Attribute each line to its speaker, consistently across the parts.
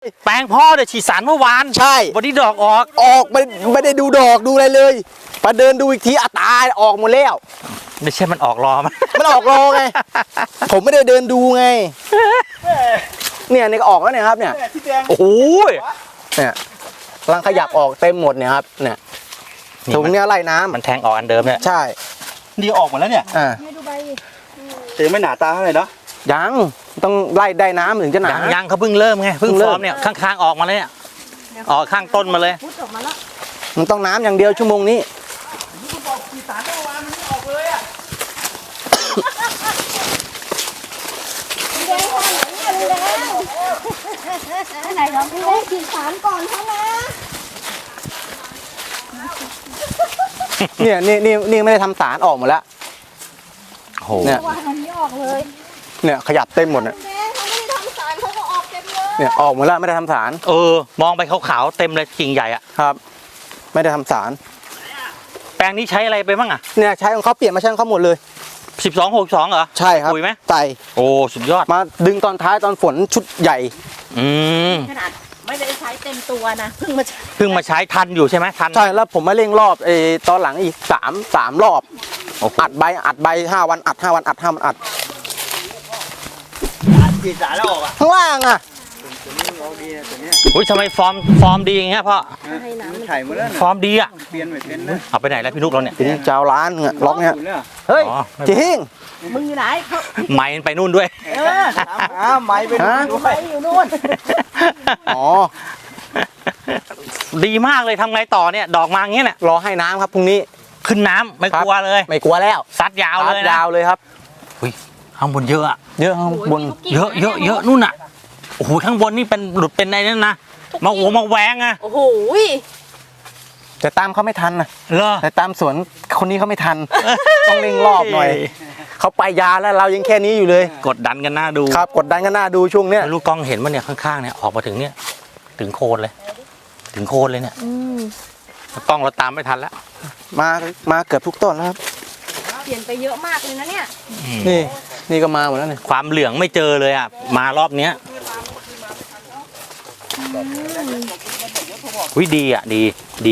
Speaker 1: แปลงพ่อเดี๋ยวฉีดสารเมื่อวาน
Speaker 2: ใช่
Speaker 1: วันนี้ดอกออก
Speaker 2: ไม่ได้ดูดอกดูอะไรเลยมาเดินดูอีกทีตายออกหมดแล้ว
Speaker 1: ไม่ใช่มันออกรอ
Speaker 2: มันออกรอไงผมไม่ได้เดินดูไงเนี่ยก็ออกแล้วเนี่ยครับเนี่ย
Speaker 1: โอ้โห
Speaker 2: เนี่ยกำลังขยับออกเต็มหมดเนี่ยครับเนี่ยตรงเนี้ยไล่น้ำ
Speaker 1: มันแทงออกอันเดิมเนี่ย
Speaker 2: ใช่
Speaker 3: นี่ออกหมดแล้วเนี่ยแต่ไม่หนาตาเท่าไหร่เนาะ
Speaker 2: ยังต้องไล่ได้น้ำถึงจะหนา
Speaker 1: ยังเขาเพิ่งเริ่มไงเพิ่งฟอร์มเนี่ยข้างๆออกมาเลยเนี่ยออกข้างต้นมาเลย
Speaker 2: มันต้องน้ำอย่างเดียวชั่วโมงนี้
Speaker 4: ไหนเราพี่เล่นฉีดสารก่อนเขานะ
Speaker 2: นี่ไม่ได้ทำสารออกหมดแล้ว
Speaker 1: โห
Speaker 2: เนี่ย
Speaker 4: วันนี้ออกเลย
Speaker 2: เนี่ยขยับเต็มหมดเนี่ย
Speaker 4: เขาไม่ได้ทำสารเขาก็ออกเต็มเลย
Speaker 2: เนี่ยออกหมดแล้วไม่ได้ทำสาร
Speaker 1: มองไปขาวๆเต็มเลยกิ่งใหญ่อ่ะ
Speaker 2: ครับไม่ได้ทำสาร
Speaker 1: แปลงนี้ใช้อะไรไปบ้างอ่ะ
Speaker 2: เนี่ยใช้ของเขาเปลี่ยนมาใช้ของเขาหมดเลย
Speaker 1: 1262เหรอ
Speaker 2: ใช่ครับ
Speaker 1: ปุ๋ยไหม
Speaker 2: ใส่
Speaker 1: โอ้สุดยอด
Speaker 2: มาดึงตอนท้ายตอนฝนชุดใหญ่
Speaker 4: ขนาดไม่ได้ใช้เต็มตัวนะเพิ่ง
Speaker 1: มาใช้ทันอยู่ใช่ไหมทัน
Speaker 2: ใช่แล้วผมมาเร่งรอบตอนหลังอีก3รอบอัดใบ5 วันอัด5 วันอัด5 วันอัด
Speaker 3: ฉีดสารแล้วออกอ่ะ
Speaker 2: ข้างล่างอ่ะ
Speaker 1: อุ้ยทำไมฟอร์มดีอย่างเงี้ยพ่อ
Speaker 3: มันถ่ายหมดแล้ว
Speaker 1: ฟอร์มดีอ่ะ
Speaker 3: เปลี่ยนไม่เป็นนะ
Speaker 1: เอาไปไหนแล้วพี่นุ๊กเราเนี่ย
Speaker 2: ทีนี้เจ้าร้านเนี่ยล็อกเนี่ยเฮ้ยจริง
Speaker 4: มึงอยู่ไหน
Speaker 1: ไม้ไปนู่นด้วย
Speaker 3: ไม้ไปนู่นด้วย
Speaker 4: อยู่นู่น
Speaker 2: อ๋อ
Speaker 1: ดีมากเลยทำไงต่อเนี่ยดอกมาอย่างเงี้ยเนี่ย
Speaker 2: รอให้น้ำครับพรุ่งนี้
Speaker 1: ขึ้นน้ำไม่กลัวเลย
Speaker 2: ไม่กลัวแล้ว
Speaker 1: ซัดยาวเลยนะ
Speaker 2: ยาวเลยครับ
Speaker 1: ข้างบนเยอะอะ
Speaker 2: เยอะข้างบน
Speaker 1: เยอะนู่นอ่ะโอ้โหข้างบนนี่เป็นหลุดเป็นอะไรนั่นนะมาแหวงอะ
Speaker 4: โอ้โห
Speaker 2: แต่ตามเขาไม่ทันนะแต่ตามสวนคนนี้เขาไม่ทันต้องเร่งรอบหน่อยเขาไปยาแล้วเรายังแค่นี้อยู่เลย
Speaker 1: กดดันกันหน้าดู
Speaker 2: ครับกดดันกันหน้าดูช่วงเนี้ย
Speaker 1: ลูกกล้องเห็นมันเนี่ยข้างๆเนี่ยออกมาถึงเนี่ยถึงโคนเลยเนี่ยกล้องเราตามไม่ทันแล้ว
Speaker 2: มาเกือบทุกต้นแล้วครับ
Speaker 4: เปลี่ยนไปเยอะมากเลยนะเนี่ย
Speaker 2: นี่ก็มาหมดแล้วเนี่ย
Speaker 1: ความเหลืองไม่เจอเลยอ่ะมารอบเนี้ยวิดีอ่ะดี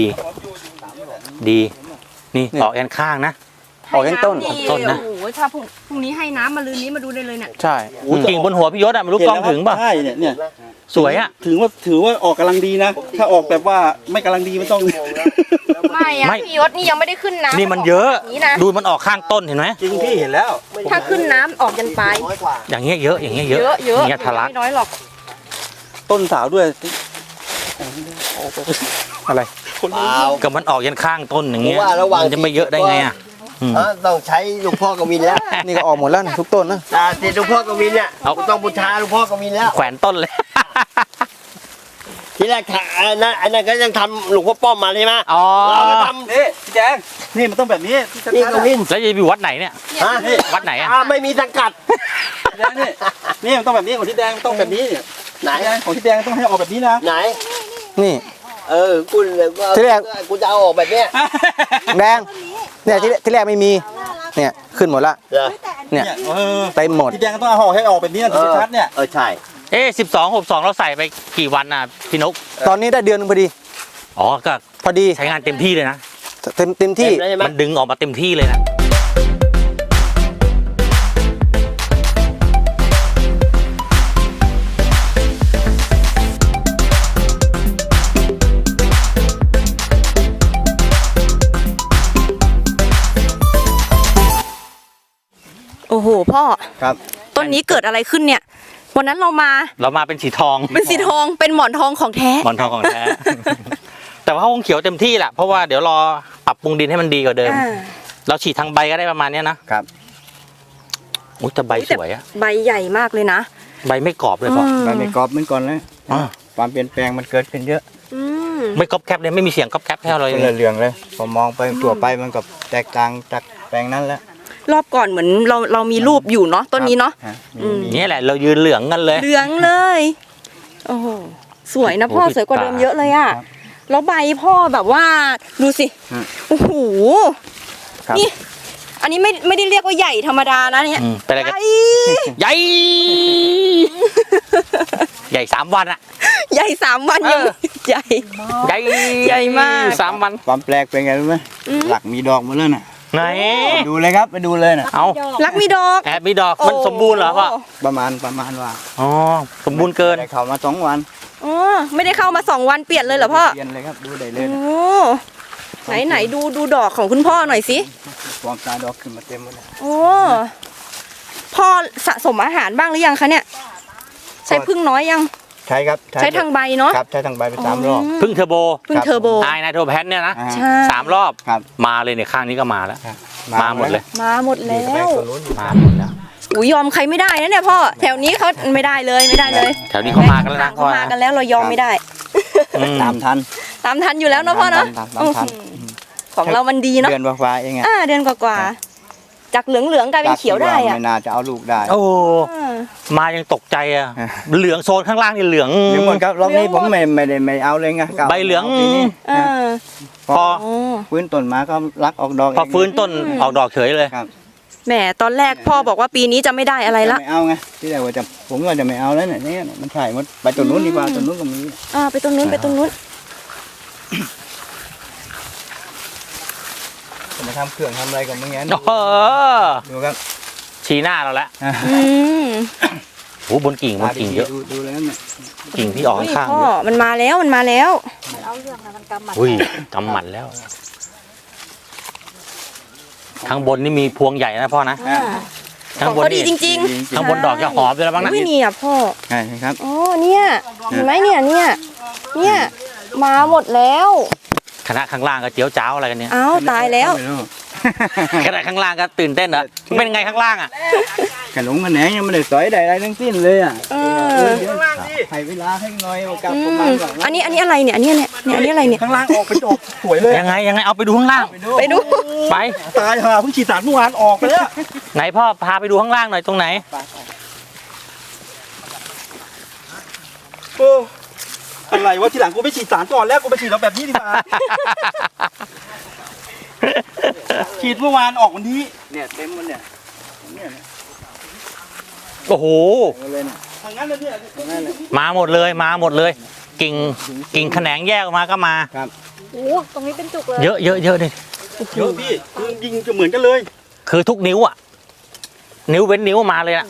Speaker 1: นี่ออกแอนข้างนะ
Speaker 2: ออกแอนต้น
Speaker 1: นะ
Speaker 4: โอ้โหถ้าพรุ่งนี้ให้น้ำมาลืนนี้มาดูได้เลยเนี่ย
Speaker 2: ใช่
Speaker 1: กิ่งบนหัวพี่ยศอ่ะไม่รู้กล้องถึงป่ะ
Speaker 3: ใช่เนี่ย
Speaker 1: สวยอ่ะ
Speaker 3: ถือว่าออกกำลังดีนะถ้าออกแบบว่าไม่กำลังดีไม่ต้อง
Speaker 4: ไม่พี่ยศนี่ยังไม่ได้ขึ้นน้ำ
Speaker 1: นี่มันเยอะดูมันออกข้างต้นเห็นไหม
Speaker 3: จริงพี่เห็นแล้ว
Speaker 4: ถ้าขึ้นน้ำออกยันปลาย
Speaker 1: อย่างเงี้ยเยอะอย่างเงี้ยทะลัก
Speaker 4: ไม่น้อยหรอก
Speaker 3: ต้นสาวด้วย
Speaker 2: อะไร
Speaker 1: กับมันออกยันข้างต้นอย่างเงี้ยมันจะไม่เยอะได้ไงอ่ะ
Speaker 5: ต้องใช้หลวงพ่อกวินแล้ว
Speaker 2: นี่ก็ออกหมดแล้วทุกต้นนะ
Speaker 5: หลวงพ่อกวินเนี่ยต้องบูชาหลวงพ่อกวินแล้ว
Speaker 1: แขวนต้นเลย
Speaker 5: ทีแรกอันนั้นก็ยังทำหลวงพ่อป้อมมาใช่ไหม
Speaker 3: เราก็ทำนี่พี่แจงนี่มันต้องแบบนี้
Speaker 5: นี่กวิน
Speaker 1: แล้วจะอยู่วัดไหนเนี่ยวัดไหนอ่ะ
Speaker 5: ไม่มีสังกัด
Speaker 3: นี่มันต้องแบบนี้ของที่แดงต้องแบบนี้
Speaker 5: ไหน
Speaker 3: ของที่แดงต้องให้ออกแบบนี้นะ
Speaker 5: ไหน
Speaker 2: นี่
Speaker 5: คุณ
Speaker 2: ที่แรก
Speaker 5: กูจะเอาออกแบบนี้
Speaker 2: แดงเนี่ยที่แรกไม่มีเนี่ยขึ้นหมดละเนี่ยเต็มหมด
Speaker 3: ที่แดงต้องเอาห่อให้ออกแบบนี้นะถึงชัดเนี่ย
Speaker 5: ใช่
Speaker 1: 12 เราใส่ไปกี่วันน่ะพี่นก
Speaker 2: ตอนนี้ได้เดือนนึงพอดี
Speaker 1: ก็
Speaker 2: พอดี
Speaker 1: ใช้งานเต็มที่เลยนะ
Speaker 2: เต็มที่
Speaker 1: มันดึงออกมาเต็มที่เลยนะ
Speaker 4: โอ้โหพ่อ
Speaker 2: ครับ
Speaker 4: ต้นนี้เกิดอะไรขึ้นเนี่ยวันนั้นเรามา
Speaker 1: เป็นสีทอง
Speaker 4: เป็นหมอนทองของแท้
Speaker 1: หมอนทองของแท้แต่ว่าคงเขียวเต็มที่แหละเพราะว่าเดี๋ยวรอปรับปรุงดินให้มันดีกว่าเดิมเราฉีดทางใบก็ได้ประมาณนี้นะครับอุ้ยแต่ใบสวยอะ
Speaker 4: ใบใหญ่มากเลยนะ
Speaker 1: ใบไม่กรอบเลยพ่อ
Speaker 3: ใบไม่กรอบเหมือนก่อนเลยความเปลี่ยนแปลงมันเกิดขึ้นเยอะ
Speaker 1: ไม่กรอบแคบเลยไม่มีเสียงกรอบแคบแค่เลย
Speaker 3: เหลืองเลยพอมองไปตัวไปมันกับแตกต่างจากแปลงนั้นแล้ว
Speaker 4: รอบก่อนเหมือนเรามีรูปอยู่เนาะต้นนี้เนาะ
Speaker 1: นี่แหละเรายืนเหลืองกันเลย
Speaker 4: เหลืองเลยโอ้โหสวยนะพ่อสวยกว่าเดิมเยอะเลยอ่ะแล้วใบพ่อแบบว่าดูสิโอ้โหนี่อันนี้ไม่ได้เรียกว่าใหญ่ธรรมดานะเนี่ย
Speaker 1: เป็นอะไรกัน
Speaker 4: ใหญ่
Speaker 1: ใหญ่3 วันอะ
Speaker 4: ใหญ่3 วันยังใหญ่
Speaker 1: ใหญ่
Speaker 4: ใหญ่มาก
Speaker 1: 3 วัน
Speaker 3: ความแปลกเป็นไงรู้ไหมหลักมีดอกหมดแล้วน่ะ
Speaker 1: ไหน
Speaker 3: ดูเลยครับไปดูเลยน่ะ
Speaker 1: เอา
Speaker 4: รักมีดอก
Speaker 1: แอบมีดอกมันสมบูรณ์เหรอพ่อ
Speaker 3: ประมาณว่า
Speaker 1: อ๋อสมบูรณ์เกิน
Speaker 3: ได้เข้ามา2 วัน
Speaker 4: อ๋อไม่ได้เข้ามา2 วันเปลี่ยนเลยเหรอพ่อ
Speaker 3: เปลี่ยนเลยครับดูได้เลย
Speaker 4: โอ้ไหนดูดอกของคุณพ่อหน่อยสิ
Speaker 3: ความตาดอกขึ้นมาเต็มหมดเลย
Speaker 4: โอ้พ่อสะสมอาหารบ้างหรือยังคะเนี่ย ใช้พึ่งน้อยยัง
Speaker 3: ใช่ครับ
Speaker 4: ใช้ทางใบเนาะ
Speaker 3: ครับใช้ทางใบไป3 รอบ
Speaker 1: พึ่งเทอร์โบ
Speaker 4: พึ่งเทอร์โบ
Speaker 1: ไอไนโตรแพนเนี่ยนะ
Speaker 3: อ่า
Speaker 4: ใช่
Speaker 1: 3 รอบ
Speaker 3: ครับ
Speaker 1: มาเลยเนี่ยข้างนี้ก็มาแล้ว
Speaker 3: ครับ
Speaker 1: มาหมดเลย
Speaker 4: มาหมดแล้
Speaker 3: นี่ก็ไป
Speaker 4: ว
Speaker 3: ตัวนู้น
Speaker 1: มาหมดแล้ว
Speaker 4: อุ้ยยอมใครไม่ได้นะเนี่ยพ่อแถวนี้เขาไม่ได้เลยไม่ได้เลย
Speaker 1: แถวนี้เขามากันแล้วนะ
Speaker 4: เขามากันแล้วเรายอมไม่ได้
Speaker 1: อืม
Speaker 3: ตามทัน
Speaker 4: ตามทันอยู่แล้วเนาะพ่อเนาะ
Speaker 3: ตามทัน
Speaker 4: ของเรามันดีเนาะ
Speaker 3: เดือนกว่าๆเองอะ
Speaker 4: เดือนกว่าๆจากเหลืองๆกลายเป็นเขียวได้อะ
Speaker 3: ไม่น่าจะเอาลูกได้
Speaker 1: โอ้
Speaker 4: อ่า
Speaker 1: มายังตกใจอ่ะเหลืองโซนข้างล่างนี่เหลือง
Speaker 3: เดี๋ยวหมดครับรอบนี้ผมไม่เอาเลยไงกะ
Speaker 1: ใบเหลือง
Speaker 3: าปีนี้
Speaker 4: เออ
Speaker 1: พอ
Speaker 4: โอ้
Speaker 3: ฟื้นต้นมาก็รักออกดอก
Speaker 1: พอฟื้นต้นออกดอกเฉยเลย
Speaker 3: ครับ
Speaker 4: แหมตอนแรกพ่อบอกว่าปีนี้จะไม่ได้อะไรละ
Speaker 3: ไม่เอาไงที่แรกว่าจะผมว่าจะไม่เอาแล้วเนี่ยมันใช่หมดไปต้นนู้นดีกว่าต้นนู้นก็มี
Speaker 4: ไปตรงนู้นไปตรงนู้น
Speaker 3: จะมาทำเครื่องทำอะไรกับมึงงั้น
Speaker 1: เออ
Speaker 3: ดูครับ
Speaker 1: ชี้หน้าเราแล้ว
Speaker 4: อืม
Speaker 1: โอ้บนกิ่งเยอะ
Speaker 3: ดูเลยนั่นน่ะ
Speaker 1: กิ่งที่ออก
Speaker 4: อุ้ย
Speaker 1: ข้างๆ
Speaker 4: พ่อ
Speaker 1: เยอะ
Speaker 4: มันมาแล้วมันมาแล้ว
Speaker 1: อุ้ยกำหมัดแล้วข้างบนนี่มีพวงใหญ่นะพ่อนะ
Speaker 4: ข
Speaker 1: ข้าง
Speaker 4: อง
Speaker 1: บน
Speaker 4: เขาดี
Speaker 1: นี่
Speaker 4: จริง
Speaker 1: ข้างบนดอกจะหอมด้วยแล้วบ้างนะ
Speaker 4: อุ้ยเนี่ยพ่อ
Speaker 3: ใช่ครับ
Speaker 4: อ๋อเนี่ยเห็นไหมเนี่ยมาหมดแล้ว
Speaker 1: คณะข้างล่างก็เจียวจ้าวอะไรกันเนี่ย
Speaker 4: เอ้าตายแล้ว
Speaker 3: ไม่รู้
Speaker 1: คณะข้างล่างก็ตื่นเต้นเหรอเป็นไงข้างล่างอ่ะ
Speaker 3: ขนมกันแหนงยังไม่ได้สอยใดอะไรทั้งสิ้นเลยอ่ะ
Speaker 4: เออ
Speaker 3: ให้เวลาให้หน่อยกลับ
Speaker 4: อื
Speaker 3: ประ
Speaker 4: ม
Speaker 3: มาณแบบ
Speaker 4: อันนี้อะไรเนี่ยอันนี้อะไรเนี่ย
Speaker 3: ข้างล่างออกไปดอกสวยเลย
Speaker 1: ยังไงเอาไปดูข้างล่าง
Speaker 4: ไปดู
Speaker 1: ไป
Speaker 3: ตายห่าเพิ่งฉีดสารเมื่อวานออกไปแล้ว
Speaker 1: ไหนพ่อพาไปดูข้างล่างหน่อยตรงไหน
Speaker 3: อะไรวะทีหลังกูไปฉีดสารก่อนแล้วกูไปฉีดเอาแบบนี้ดีกว่า ฉีดเมื่อวานออกวันนี้เนี่ยเต็มมันเนี่ยเนี่ย
Speaker 1: โอ้โห
Speaker 3: เลยเนี่ยทางนั้นเลยเนี่ยทางนั้นเลย
Speaker 1: มาหมดเลย กิ่งแขนงแยกออกมาก็มา
Speaker 4: โอ้ตรงนี้เป็นจุกเลย
Speaker 1: เยอะดิ
Speaker 3: เยอะพี่คือยิงจะเหมือนกันเลย
Speaker 1: คือทุกนิ้วอ่ะ นิ้วเว้นนิ้วมาเลยอ่ะ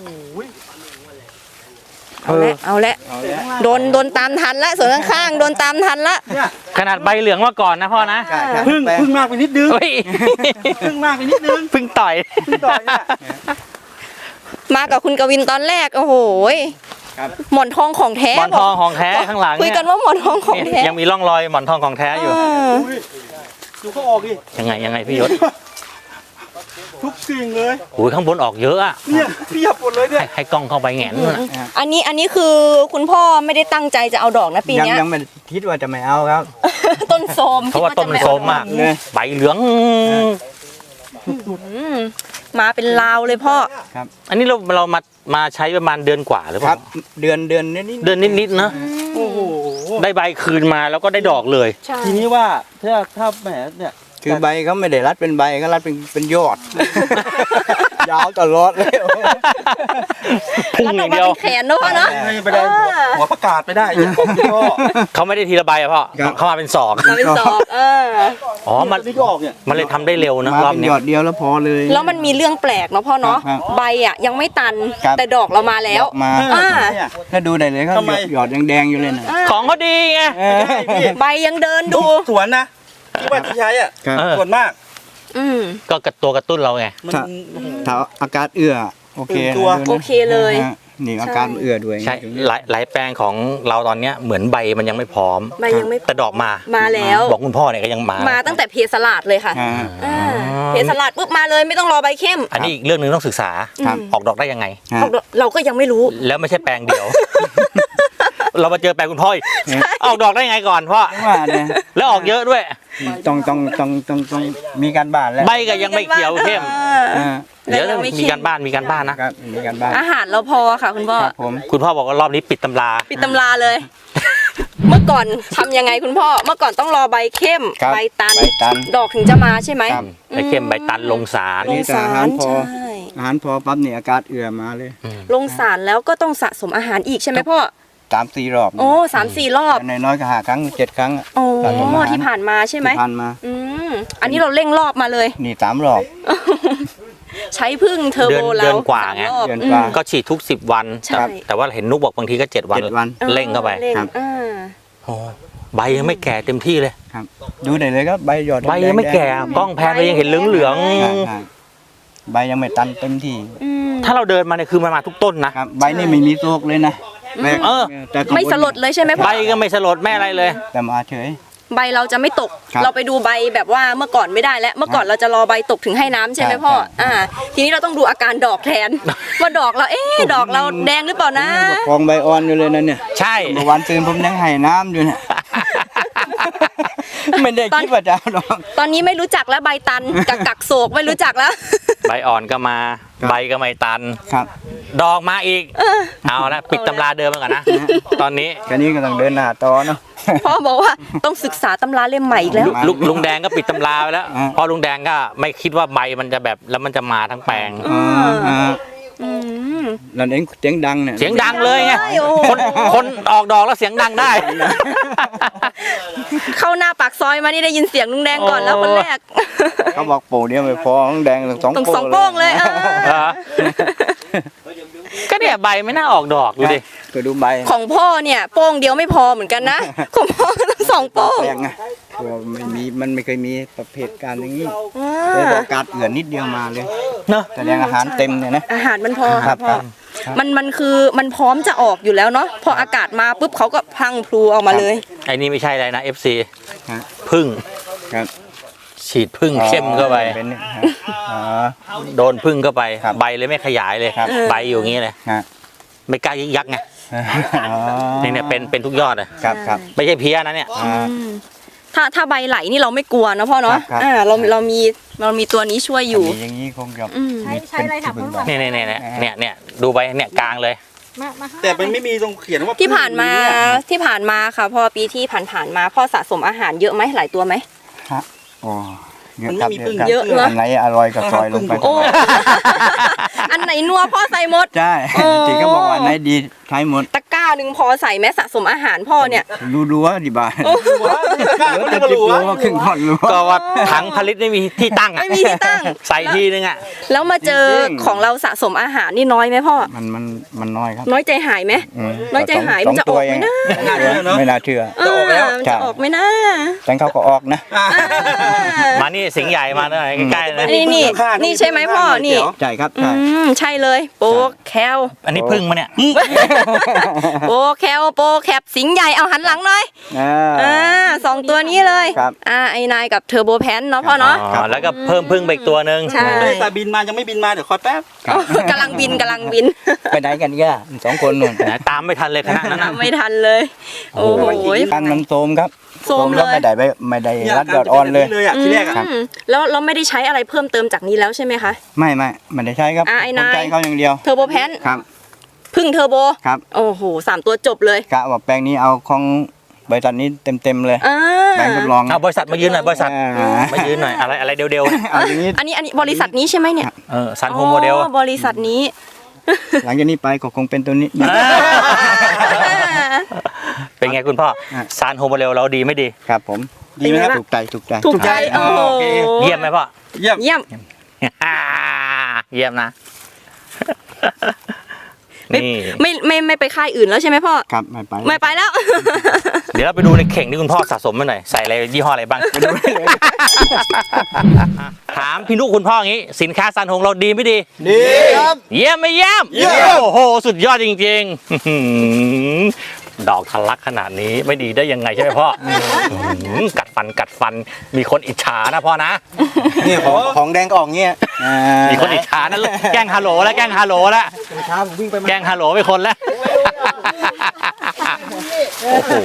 Speaker 4: เอาละ
Speaker 3: เอาแล้ว
Speaker 4: โดนตามทันละส่วนข้างๆโดนตามทันละ
Speaker 3: เนี่ย
Speaker 1: ขนาดใบเหลืองมาก่อนนะพ่อนะ
Speaker 3: ใช่พึ่งมากไปนิดนึง
Speaker 1: เฮ้ย
Speaker 3: พึ่งมากไปนิดนึง
Speaker 1: เพิ่งต่อย
Speaker 3: พึ่งต่อยเนี่ย
Speaker 4: มากับคุณกวินตอนแรกโอ้โห
Speaker 3: ครับ
Speaker 4: หมอนทองของแท้
Speaker 1: หมอนทองของแท้ข้างหลัง
Speaker 4: คุย
Speaker 1: เนี่ย
Speaker 4: กันว่าหมอนทองของ
Speaker 1: เนี่ย
Speaker 4: แท้
Speaker 1: ยังมีร่องรอยหมอนทองของแท้อยู่
Speaker 3: อุ้ยดูเขาออกดิ
Speaker 1: ยังไงพี่ยศ
Speaker 3: ทุกสิ่งเลย
Speaker 1: โอ้ยข้างบนออกเยอะอ่ะ
Speaker 3: เนี่ยเพียบหมดเลยเนี่ย
Speaker 1: ให้กล้องเข้าไปแหงนนู่นน่ะ
Speaker 4: อันนี้คือคุณพ่อไม่ได้ตั้งใจจะเอาดอกนะปีเนี้ย
Speaker 3: ยังไม่คิดว่าจะไม่เอาครับ
Speaker 4: ต้นโทรม
Speaker 1: เพราะว่าต้นมันโทรมมาก
Speaker 3: เลย
Speaker 1: ใบเหลือง
Speaker 4: มาเป็นลาวเลยพ่อ
Speaker 1: อันนี้เรามาใช้ประมาณเดือนกว่าหรือเป
Speaker 3: ครั
Speaker 1: ล่า
Speaker 3: บเดือนนิด
Speaker 1: เดือนนิดๆนะ
Speaker 3: โอ้โห
Speaker 1: ได้ใบคืนมาแล้วก็ได้ดอกเลย
Speaker 4: ใช่
Speaker 3: ทีนี้ว่าถ้าแหมเนี่ยคือใบเขาไม่ได้รัดเป็นใบเขารัดเป็นยอด ยาวตลอดเลย
Speaker 1: พุ่ง
Speaker 4: รัด
Speaker 1: อ
Speaker 4: ออย่าง กมา
Speaker 1: เดียว
Speaker 4: เป็นแขนเนอะพ่อเนาะ
Speaker 3: ไปได้หัวประกาศไปได้ของพี่ก็
Speaker 1: เขาไม่ได้ทีละใบอะพ่อ
Speaker 3: ครับ
Speaker 1: เขามาเป็นศอก
Speaker 4: มาเป็นศอก
Speaker 1: อ๋อมัน
Speaker 3: นี่ก็ออกเนี่ย
Speaker 1: มันเลยทำได้เร็วนะ
Speaker 3: มาร
Speaker 1: อบ
Speaker 3: เป็น
Speaker 1: เนี้
Speaker 3: ย
Speaker 1: ย
Speaker 3: อดเดียวแล้วพอเลย
Speaker 4: แล้วมันมีเรื่องแปลกเนาะพ่อเนาะ
Speaker 3: ครับ
Speaker 4: ใบอ่ะยังไม่ตัน
Speaker 3: ครับ
Speaker 4: แต่ดอกเรามาแล้ว
Speaker 3: มา
Speaker 4: อ่า
Speaker 3: ถ้าดูได้เลยครับหยอดแดงๆอยู่เลยนะ
Speaker 1: ของเขาดีไง
Speaker 4: ใบยังเดินดู
Speaker 3: สวนนะที่ว่าที่ใช้อ่ะ
Speaker 1: เออ
Speaker 3: ส่วนมาก
Speaker 1: ก็ตัวกระตุ้นเราไง
Speaker 3: ถ้าอากาศเอื้อโอเค
Speaker 4: โอเคเลย
Speaker 3: นี่อากาศเอื้อด้วย
Speaker 1: ใช่หลายแปลงของเราตอนเนี้ยเหมือนใบมันยังไม่พร้อม
Speaker 4: ใบยังไม่
Speaker 1: แต่ดอกมา
Speaker 4: มาแล้ว
Speaker 1: บอกคุณพ่อเนี่ยก็ยังมา
Speaker 4: มาตั้งแต่เพสลัดเลยค่ะ
Speaker 3: อ่า
Speaker 4: เพสลัดปุ๊บมาเลยไม่ต้องรอใบเข้ม
Speaker 1: อันนี้อีกเรื่องหนึงต้องศึกษา
Speaker 3: ครับ
Speaker 1: ออกดอกได้ยังไง
Speaker 3: ฮะ
Speaker 4: เราก็ยังไม่รู้
Speaker 1: แล้วไม่ใช่แปลงเดียว เรามาเจอแปลงคุณพ่ออีกออกดอกได้ยังไงก่อนพ่อ
Speaker 3: ว่าเนี่ย
Speaker 1: แล้วออกเยอะด้วย
Speaker 3: ต้องมีการบ้านแล้ว
Speaker 1: ใบก็ยังไม่เขียวเข้ม
Speaker 3: อ่า
Speaker 1: เดี๋ยว
Speaker 4: ยังไม่
Speaker 1: มี
Speaker 4: เข้ม
Speaker 1: การบ้านมีการบ้านนะ
Speaker 3: ครับมีการบ้าน
Speaker 4: อาหารเราพอค่ะคุณพ่อ
Speaker 3: ครับผม
Speaker 1: คุณพ่อบอกว่ารอบนี้ปิดตำรา
Speaker 4: ปิดตำราเลยเมื่อก่อนทำยังไงคุณพ่อเมื่อก่อนต้องรอใบเข้ม
Speaker 3: ครับ
Speaker 4: ใบตัน
Speaker 3: ใบตัน
Speaker 4: ดอกถึงจะมาใช่ไหม
Speaker 3: ครับ
Speaker 1: ไอ้เข้มใบตันลงสาร
Speaker 4: ลงสาร
Speaker 3: นี่แต่อาหารพอ
Speaker 4: ใช่
Speaker 3: อาหารพอปั๊บเนี่ยอากาศเอื่อมาเลย
Speaker 4: ลงสารแล้วก็ต้องสะสมอาหารอีกใช่ไหมพ่อ
Speaker 3: 3-4 รอบ
Speaker 4: โอ้3-4 รอบ
Speaker 3: น้อยๆก็5 ครั้ง 7 ครั้งอะ
Speaker 4: โอ้
Speaker 3: สะสมอาหาร
Speaker 4: ที่ผ่านมาใช่ไหม
Speaker 3: ที่ผ่านมา
Speaker 4: อืมอันนี้เราเร่งรอบมาเลย
Speaker 3: นี่3 รอบ
Speaker 4: ใช้พึ่งเทอร์โบ
Speaker 1: เดื
Speaker 4: แล้
Speaker 1: อ
Speaker 4: วน
Speaker 1: กว่าไง
Speaker 4: 3 รอบ
Speaker 3: เดือนกว่า
Speaker 1: ก็ฉีดทุก10 วัน
Speaker 4: ใช่
Speaker 1: แต่ว่าเห็นนุกบอกบางทีก็7 วัน
Speaker 3: 7 วัน
Speaker 1: เร่งเข้าไป
Speaker 4: เร่ง
Speaker 3: ครับ
Speaker 1: โอ้ใบยังไม่แก่เต็มที่เลย
Speaker 3: ครับดูได้เลยครับใบหยอด
Speaker 1: ใบยังไม่แก่กล้องแพนไปยังเห็นเหลือง
Speaker 3: ใช่ใบยังไม่ตันเต็มที่
Speaker 1: ๆถ้าเราเดินมาเนี่ยคือมันมาทุกต้นนะครับ
Speaker 3: ใบนี่ไม่มีโซกเลยนะแม่
Speaker 1: เออ
Speaker 3: แต่ข้างบน
Speaker 4: ไม่สลดเลยใช่ไหมพ่
Speaker 1: ใบ
Speaker 4: อ
Speaker 1: ก็ไม่สลดไม่อะไรเลย
Speaker 3: แต่มาเฉย
Speaker 4: ใบเราจะไม่ตก
Speaker 3: ครับ
Speaker 4: เราไปดูใบแบบว่าเมื่อก่อนไม่ได้แล้ว เมื่อก่อนเราจะรอใบตกถึงให้น้ำใช่ไหมพ่อ
Speaker 3: ใช่
Speaker 4: ทีนี้เราต้องดูอาการดอกแทน ว่าดอกเราดอกเราแดงหรือเปล่านะ
Speaker 3: ประคองใบอ่อนอยู่เลยนะเนี่ย
Speaker 1: ใช่
Speaker 3: เมื่อวานตื่นผมยังให้น้ำอยู่เนี่ย ไม่ได้คิดว่าจะเอาดอก
Speaker 4: ตอนนี้ไม่รู้จักแล้วใบตันกับกักโศกไม่รู้จักแล้ว
Speaker 1: ใบอ่อนก็มา
Speaker 3: ครับ
Speaker 1: ใบก็ไม่ตัน
Speaker 3: ครับ
Speaker 1: ดอกมาอีกเอาละปิดตำราเดิมไปก่อนนะตอนนี้
Speaker 3: แค่นี้ก็ต้องเดินหน้าต่อเนาะ
Speaker 4: พ่อบอกว่าต้องศึกษาตำราเล่มใหม่อีกแล้ว
Speaker 1: ลุงแดงก็ปิดตำราไปแล้ว
Speaker 3: อ่า
Speaker 1: เพราะลุงแดงก็ไม่คิดว่าใบมันจะแบบแล้วมันจะมาทั้งแปลง
Speaker 4: อืม
Speaker 3: นั่นเองเสียงดังเนี่ย
Speaker 1: เสียงดังเลยไง
Speaker 4: โอ้โห
Speaker 1: คนออกดอกแล้วเสียงดังได้
Speaker 4: เข้าหน้าปากซอยมานี่ได้ยินเสียงลุงแดงก่อนแล้วคนแรก
Speaker 3: เขาบอกโป่เดียวไม่พอต้องแดงต้อง
Speaker 4: ต้องสอง
Speaker 3: โป้
Speaker 4: โป้งเลย
Speaker 1: เหรอก็เนี่ยใบไม่น่าออกดอกดูดิ
Speaker 3: ก็ดูใบ
Speaker 4: ของพ่อเนี่ยโป้งเดียวไม่พอเหมือนกันนะ ของพ่อต้องสองโป้ง
Speaker 3: แปลงไงตัวมันไม่เคยมีประเภทการอย่างนี้
Speaker 4: อ่
Speaker 3: เลยบ
Speaker 4: า
Speaker 3: อกการเอื่อนนิดเดียวมาเลย
Speaker 1: เนอะ
Speaker 3: แสดงอาหารเต็มเนี่ยนะ
Speaker 4: อาหารมันพอ
Speaker 3: ครั
Speaker 4: ค่ะ
Speaker 3: บ
Speaker 4: พ่อ
Speaker 3: ครับ
Speaker 4: มันคือมันพร้อมจะออกอยู่แล้วเนาะพออากาศมาปุ๊บเขาก็พลังพลูออกมาเลย
Speaker 1: ไอ้นี่ไม่ใช่อะไรนะ FC
Speaker 3: ฮะ
Speaker 1: พึ่ง
Speaker 3: ครับ
Speaker 1: ฉีดพึ่งเข้มเข้าไป
Speaker 3: เป็นเนี่ยฮะอ๋อ
Speaker 1: โดนพึ่งเข้าไป
Speaker 3: ครับ
Speaker 1: ใบเลยไม่ขยายเลย
Speaker 3: ครับ
Speaker 1: ใบอยู่อย่างนี้เลย
Speaker 3: ฮะ
Speaker 1: ไม่กล้ายึกยักไง
Speaker 3: อ๋อ
Speaker 1: นี่เนี่ยเป็นทุกยอดเลย
Speaker 3: ครับครับ
Speaker 1: ไม่ใช่เพี้ยนะเนี่ย
Speaker 3: อ่า
Speaker 4: ถ้าใบไหลนี่เราไม่กลัวเนาะพ่อเนาะ
Speaker 3: ครับ
Speaker 4: เรามีตัวนี้ช่วยอยู่
Speaker 3: มีอย่างนี้คงจะ
Speaker 4: อืม
Speaker 6: ใช้อะไรค่ะคุณลุง
Speaker 1: เนี่ยดูไปเนี่ยกลางเลย
Speaker 6: มาข้าง
Speaker 2: แต่มันไม่มีตรงเขียนว่า
Speaker 4: ที่ผ่านมาค่ะพ่อปีที่ผ่านมาพ่อสะสมอาหารเยอะไหมหลายตัวไหม
Speaker 3: ฮะโอ้เยอะ
Speaker 2: มัน
Speaker 3: ค
Speaker 2: ไม่
Speaker 3: รับ
Speaker 2: มีพึ่ง
Speaker 3: ครับ
Speaker 4: เยอะนะ
Speaker 3: อันไหนอร่อยก็ซอยลงไป
Speaker 4: โอ้ อันไหนนัวพ่อใส่หมด
Speaker 3: ใช่
Speaker 4: โอ้
Speaker 3: ที่เขาบอกว่าอันไหนดีใช้หมด
Speaker 4: ตะกร้าหนึ่งพอใส่แม้สะสมอาหารพ่อเนี่ย
Speaker 3: รู้ว่าดีบ้า
Speaker 2: กล้าก็ไม่รู้
Speaker 3: รู้ว่าครึ่งท่อนรู้
Speaker 1: ก็ว่าถังผลิตไม่มีที่ตั้งอ่ะ
Speaker 4: ไม่มีที่ตั้ง
Speaker 1: ใส่ทีนึงอ่ะ
Speaker 4: แล้วมาเจอของเราสะสมอาหารนี่น้อยไหมพ่อ
Speaker 3: มันน้อยครับ
Speaker 4: น้อยใจหายไหม
Speaker 3: ม
Speaker 4: น้อยใจหายมันจะออกไหมนะ
Speaker 3: ไม่น่าเชื่อ
Speaker 4: จะออกแล้ว
Speaker 3: ใช่
Speaker 4: จะออกไหมนะ
Speaker 3: แต่เขาก็ออกนะ
Speaker 1: มานี่สิงห์ใหญ่มาหน่อยใกล้ๆนะ
Speaker 4: นี่ใช่ไหมพ่อนี่
Speaker 3: ใช่ครับ
Speaker 4: อื
Speaker 3: ใช่
Speaker 4: มใช่เลยโปแคล
Speaker 1: อันนี้พึ่งมาเนี่ย
Speaker 4: โปแคลโปแคปสิงห์ใหญ่เอาหันหลังหน่อย สองตัวนี้เลย
Speaker 3: ครับ
Speaker 4: ไอ้นายกับเทอร์โบแพนเนาะพ่อเนาะ
Speaker 1: อ๋อแล้วก็เพิ่มพึ่งไปอีกตัวหนึ่ง
Speaker 4: ใช่
Speaker 2: แต่บินมายังไม่บินมาเดี๋ยวคอยแป๊บ
Speaker 4: กำลังบิน
Speaker 3: ไปไหนกันแก่สองคนนู่น
Speaker 1: นะตามไม่ทันเลยคณะนั้นนะ
Speaker 4: ไม่ทันเลย โอ้โห
Speaker 3: การมันโทรมครับ
Speaker 4: โทรมเลย
Speaker 3: แล้วไม่ได้รัดยอดอ่อนเลย
Speaker 2: เลยอ่ะทีแรกอ่ะ
Speaker 4: อืมแล้วเราไม่ได้ใช้อะไรเพิ่มเติมจากนี้แล้วใช่ไหมคะ
Speaker 3: ไม่ได้ใช้ครับ
Speaker 4: ไอ้นาย
Speaker 3: ผมใช้เขาอย่างเดียว
Speaker 4: เทอร์โบแพน
Speaker 3: ครับ
Speaker 4: พึ่งเทอร์โบ
Speaker 3: ครับ
Speaker 4: โอ้โห3 ตัวจบเลย
Speaker 3: กะว่าแปลงนี้เอาของบริษัทนี้เต็มเลย
Speaker 4: อ่า
Speaker 3: แปลงทดลอง
Speaker 1: เอาบริษัทมายืนหน่อยบริษัท
Speaker 3: อ่า
Speaker 1: มายืนหน่อยอะไรเดียว
Speaker 3: เอาอย่างนี้
Speaker 4: อันนี้บริษัทนี้ใช่ไหมเนี่ย
Speaker 1: ซันโฮโมเดล
Speaker 4: อ๋อบริษัทนี้
Speaker 3: หลังจากนี้ไปก็คงเป็นตัวนี้
Speaker 1: เป็นไงคุณพ่อ
Speaker 3: อ่ะ
Speaker 1: ซานโฮโมเดลเราดีไม่ดี
Speaker 3: ครับผม
Speaker 4: ดีไหมครับ
Speaker 3: ถูกใจ
Speaker 4: ถูกใจโอ้โห
Speaker 1: เยี่ยมไหมพ่อ
Speaker 2: เยี่ยม
Speaker 4: เยี่ยม
Speaker 1: เยี่ยมนะ
Speaker 4: ไม่
Speaker 1: นี่
Speaker 4: ไม่ไปค่ายอื่นแล้วใช่ไหมพ่อ
Speaker 3: ครับไม่ไป
Speaker 4: ไม่ไปแล้ว
Speaker 1: เดี๋ยวเราไปดูในเข่งที่คุณพ่อสะสมมาหน่อยใส่อะไรยี่ห้ออะไรบ้างถามพี่นุคุณพ่ออย่างนี้ สินค้าซันโฮงเราดีไม่ดี
Speaker 3: ดีครับ
Speaker 1: เยี่ยมไม่เยี่ยมโอ้โหสุดยอดจริงๆ ดอกทะลักขนาดนี้ไม่ดีได้ยังไงใช่ไหมพ่อกัดฟันมีคนอิจฉานะพ่อนะ
Speaker 3: นี่ของแดงก็ออกเงี้ย
Speaker 1: มีคนอิจฉานั่นแกล้งฮัลโหลแล้วแกล้งฮัลโหลแล้วแกล้งฮัลโหลไปคนแล้วโอ้โห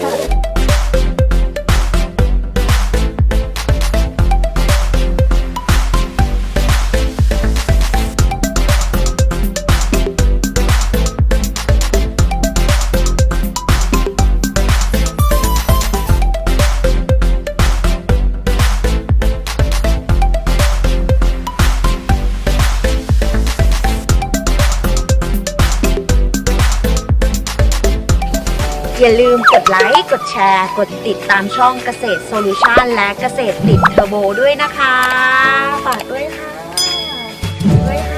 Speaker 7: ลืมกดไลค์ กดแชร์ กดติดตามช่องเกษตรโซลูชันและเกษตรติดเทอร์โบด้วยนะคะ ฝากด้วยค่ะ